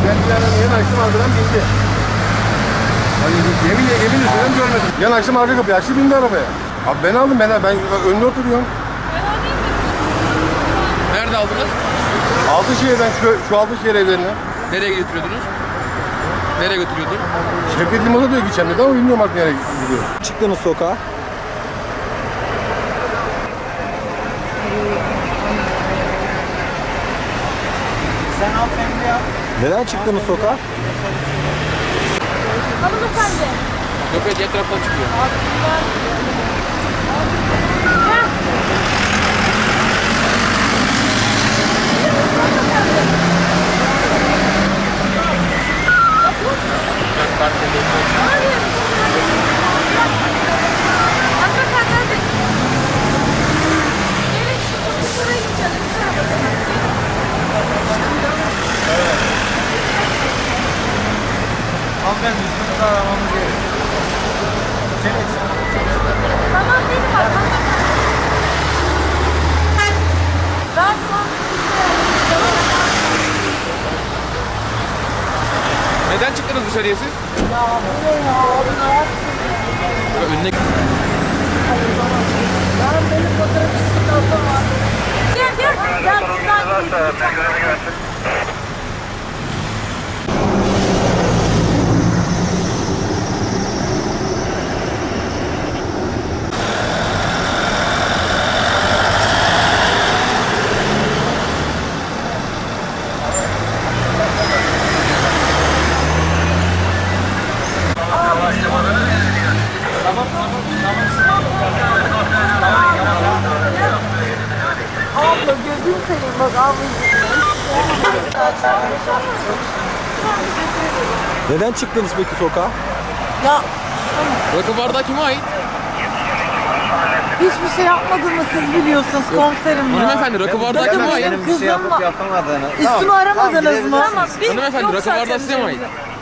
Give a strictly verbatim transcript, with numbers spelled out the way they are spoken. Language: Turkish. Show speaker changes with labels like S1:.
S1: Ben bir ara yan açtım arkadan bindi. Hani yemin yemin üzerinden görmedim. Yan açtım arka kapıyı açtı bindi arabaya. Abi ben aldım ben ben önde oturuyorum.
S2: Nerede aldınız?
S1: Altınşehir'den şu, şu Altınşehir evlerine.
S2: Nereye götürüyordunuz? Nereye götürüyordu?
S1: Şevket Liman'a diyor gideceğim dedi ama bilmiyorum artık nereye gidiyor.
S3: Çıktınız sokağa.
S4: Sen hanımefendi ya.
S3: Neden çıktınız sokağa?
S5: Hanımefendi.
S2: Yok evet diğer taraftan çıkıyor.
S5: Hanımefendi hadi. Gelin şu çocuklara gideceğiz.
S4: Hanımefendi üstünüzü aramamız gerekiyor. Evet.
S5: Tamam benim var. Ben şu an
S2: Neden çıktınız dışarıya siz?
S5: ya bu ne ya? Abi ne yaptın?
S2: Önüne
S5: Ben benim fotoğrafçısının ablam var. Gel gel. Gel buradan gideceğim. Abla gözüm seveyim bak ablacığım.
S3: Neden çıktınız peki sokağa?
S5: Ya
S2: rakı bardağı kime ait?
S6: Hiçbir şey yapmadığımı siz biliyorsunuz komiserim ya.
S2: Hanımefendi rakı bardağı kime ait?
S6: Benim
S4: Bir şey
S6: kızım
S4: yapıp
S6: var.
S4: yapamadığını.
S6: Üstümü aramadınız mı?
S5: tamam. bir
S2: Hanımefendi rakı
S5: konuşalım
S2: bardağı size mi ait?
S5: seninle.